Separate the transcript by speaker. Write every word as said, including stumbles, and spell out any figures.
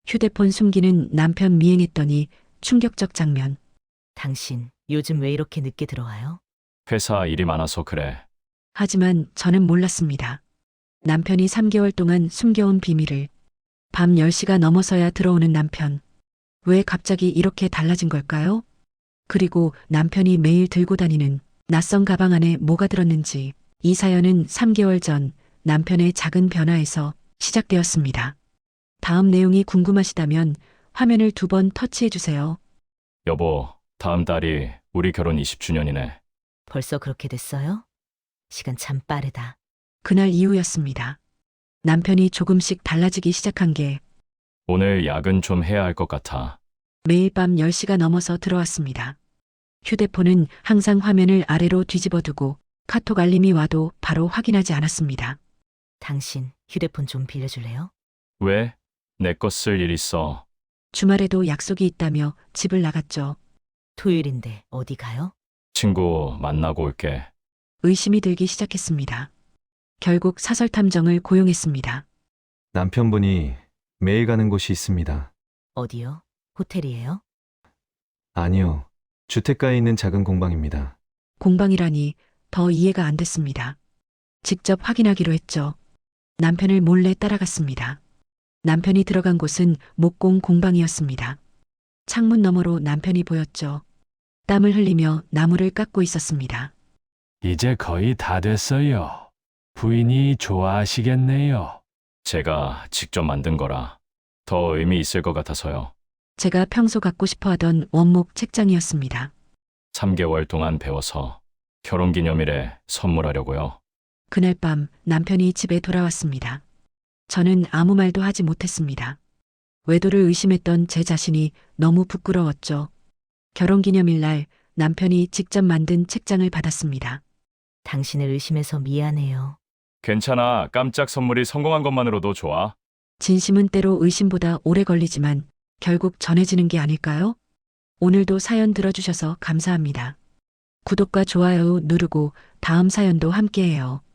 Speaker 1: 휴대폰 숨기는 남편 미행했더니 충격적 장면.
Speaker 2: 당신 요즘 왜 이렇게 늦게 들어와요?
Speaker 3: 회사 일이 많아서 그래.
Speaker 1: 하지만 저는 몰랐습니다. 남편이 삼 개월 동안 숨겨온 비밀을. 밤 열 시가 넘어서야 들어오는 남편. 왜 갑자기 이렇게 달라진 걸까요? 그리고 남편이 매일 들고 다니는 낯선 가방 안에 뭐가 들었는지. 이 사연은 삼 개월 전 남편의 작은 변화에서 시작되었습니다. 다음 내용이 궁금하시다면 화면을 두 번 터치해 주세요.
Speaker 3: 여보, 다음 달이 우리 결혼 이십 주년이네.
Speaker 2: 벌써 그렇게 됐어요? 시간 참 빠르다.
Speaker 1: 그날 이후였습니다. 남편이 조금씩 달라지기 시작한 게
Speaker 3: 오늘 야근 좀 해야 할 것 같아.
Speaker 1: 매일 밤 열 시가 넘어서 들어왔습니다. 휴대폰은 항상 화면을 아래로 뒤집어 두고 카톡 알림이 와도 바로 확인하지 않았습니다.
Speaker 2: 당신 휴대폰 좀 빌려줄래요?
Speaker 3: 왜? 내 거 쓸 일 있어.
Speaker 1: 주말에도 약속이 있다며 집을 나갔죠.
Speaker 2: 토요일인데 어디 가요?
Speaker 3: 친구 만나고 올게.
Speaker 1: 의심이 들기 시작했습니다. 결국 사설 탐정을 고용했습니다.
Speaker 4: 남편분이 매일 가는 곳이 있습니다.
Speaker 2: 어디요? 호텔이에요?
Speaker 4: 아니요. 주택가에 있는 작은 공방입니다.
Speaker 1: 공방이라니 더 이해가 안 됐습니다. 직접 확인하기로 했죠. 남편을 몰래 따라갔습니다. 남편이 들어간 곳은 목공 공방이었습니다. 창문 너머로 남편이 보였죠. 땀을 흘리며 나무를 깎고 있었습니다.
Speaker 5: 이제 거의 다 됐어요. 부인이 좋아하시겠네요.
Speaker 3: 제가 직접 만든 거라 더 의미 있을 것 같아서요.
Speaker 1: 제가 평소 갖고 싶어 하던 원목 책장이었습니다.
Speaker 3: 삼 개월 동안 배워서 결혼기념일에 선물하려고요.
Speaker 1: 그날 밤 남편이 집에 돌아왔습니다. 저는 아무 말도 하지 못했습니다. 외도를 의심했던 제 자신이 너무 부끄러웠죠. 결혼기념일 날 남편이 직접 만든 책장을 받았습니다.
Speaker 2: 당신을 의심해서 미안해요.
Speaker 3: 괜찮아. 깜짝 선물이 성공한 것만으로도 좋아.
Speaker 1: 진심은 때로 의심보다 오래 걸리지만 결국 전해지는 게 아닐까요? 오늘도 사연 들어주셔서 감사합니다. 구독과 좋아요 누르고 다음 사연도 함께해요.